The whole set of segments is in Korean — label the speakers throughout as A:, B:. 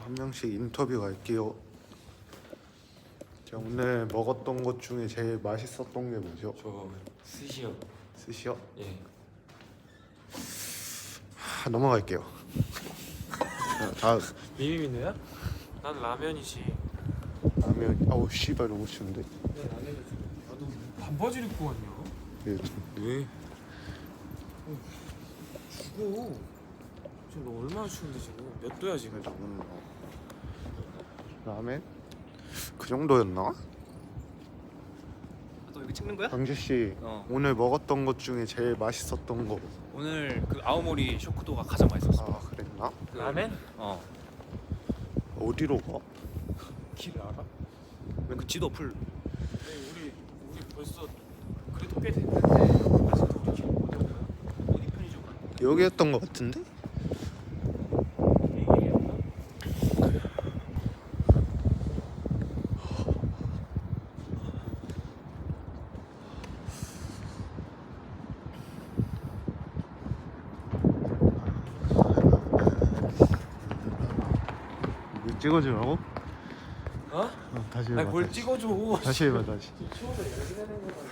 A: 한 명씩 인터뷰 갈게요. 자, 오늘 먹었던 것 중에 제일 맛있었던 게 뭐죠?
B: 저 스시요.
A: 스시요?
B: 예.
A: 넘어갈게요. 자, 다음
B: 비빔인데요? 난 라면이지.
A: 라면. 아우 씨발 너무 추운데.
B: 네 라면이지. 나도 반바지를 입고 왔냐?
A: 예,
B: 왜? 죽어. 지금 너 얼마나 추운데 지금? 몇 도야 지금?
A: 저는 라면 그 정도였나?
C: 너 여기 찍는 거야?
A: 강재 씨 오늘 먹었던 것 중에 제일 맛있었던 거.
C: 오늘 그 아오모리 쇼크도가 가장 맛있었어.
A: 아 그랬나?
B: 라면?
C: 어.
A: 어디로 가?
B: 길 알아?
C: 그 지도 어플.
B: 우리 벌써 그래도 꽤 됐는데 아직도 우리 길못 오냐?
C: 어디 편의점 가?
A: 여기였던 것 같은데? 이거 찍어주라고?
B: 어?
A: 다시 해봐.
B: 아니 뭘
A: 다시.
B: 찍어줘.
A: 다시 해봐 다시.
B: 추워서 열기 내는 거잖아.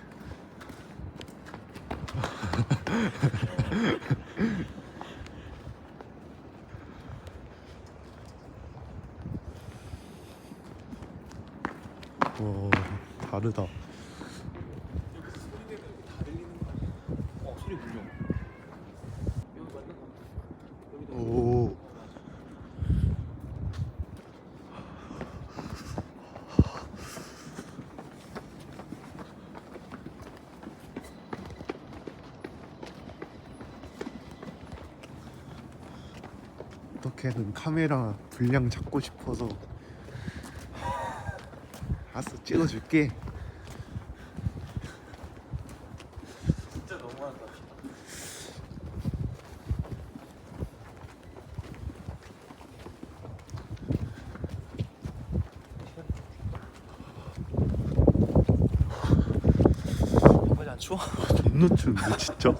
A: 오 다르다.
B: 여기서 소리 내면 여기 다 들리는 거 아니야?
C: 소리 물려.
B: 여기 맞는 거 같아. 여기도
A: 오. 어떻게든 카메라 분량 잡고 싶어서 알았어 찍어줄게.
B: 진짜 너무한다.
C: 빨리 안 추워?
A: 존나 추운데 진짜.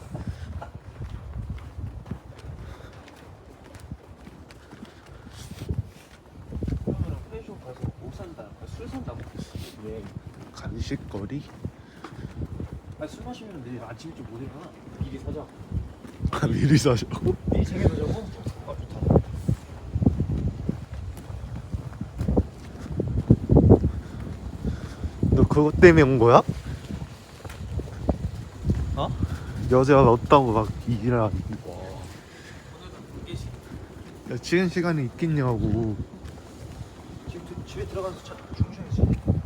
C: 그러면 편의점 가서 뭐 산다? 술 산다고? 왜?
A: 간식거리?
C: 아니 술 마시면 내일 아침 일찍 못 일어나. 미리 사자.
A: 아 미리 사자고?
C: 미리 챙겨놓자고? 아 좋다.
A: 너 그것 때문에 온 거야?
C: 어?
A: 여자가 없다고 막 일하는.
B: 오늘은 계시.
A: 야 지금 시간에 있겠냐고.
C: 지금 집에 들어가서 차 충전해야지.